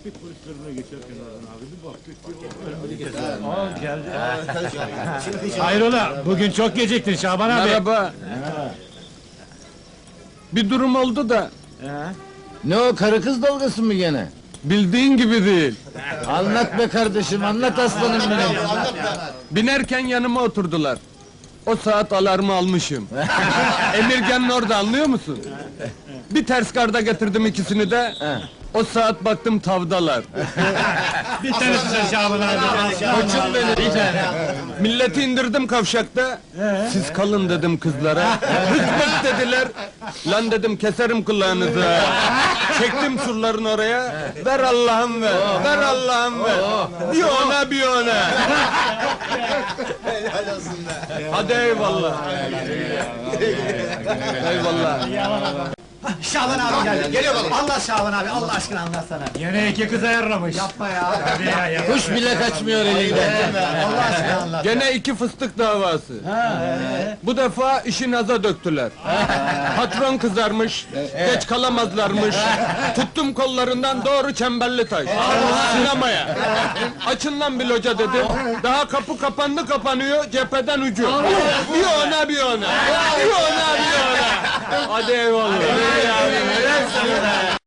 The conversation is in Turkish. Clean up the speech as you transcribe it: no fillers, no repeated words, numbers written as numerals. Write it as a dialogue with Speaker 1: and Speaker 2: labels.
Speaker 1: trafik polislerine geçerken oradan abi bir baktık ki geldi. Hayrola, bugün çok geciktin Şaban abi.
Speaker 2: Merhaba. Bir durum oldu da
Speaker 3: Ne o, karı kız dalgası mı gene?
Speaker 2: bildiğin gibi değil.
Speaker 3: Anlat be kardeşim, anlat aslanım benim.
Speaker 2: Binerken yanıma oturdular. O saat alarmı almışım. Emirgan'ın orada, anlıyor musun? Bir ters garda getirdim ikisini de. O saat baktım tavdalar.
Speaker 1: Bir tanesi Şaban abi.
Speaker 3: Koçum benim bir tane.
Speaker 2: Milleti indirdim kavşakta. Siz kalın dedim kızlara. Hızmet dediler. Lan dedim keserim kulağınızı. Çektim surların oraya. Ver Allah'ım ver. Ver Allah'ım ver. Bir ona bir ona. Hadi eyvallah. Eyvallah.
Speaker 4: Şaban abi geldi. Geliyor baba. Allah Şaban abi, Allah aşkına anlatsana.
Speaker 1: Yine iki kız ayarlamış.
Speaker 4: Yapma ya.
Speaker 1: Tabii ya.
Speaker 3: Kuş bile kaçmıyor elinden.
Speaker 4: Allah aşkına anlat.
Speaker 2: Gene iki fıstık davası. Bu defa işi naza döktüler. Patron kızarmış, geç kalamazlarmış. Tuttum kollarından doğru Çemberlitaş. Sinemaya. Açın lan bir loca dedim. Daha kapı kapandı kapanıyor, cepheden ucu. Bir ona bir ona. Bir ona bir ona. Hadi eyvallah.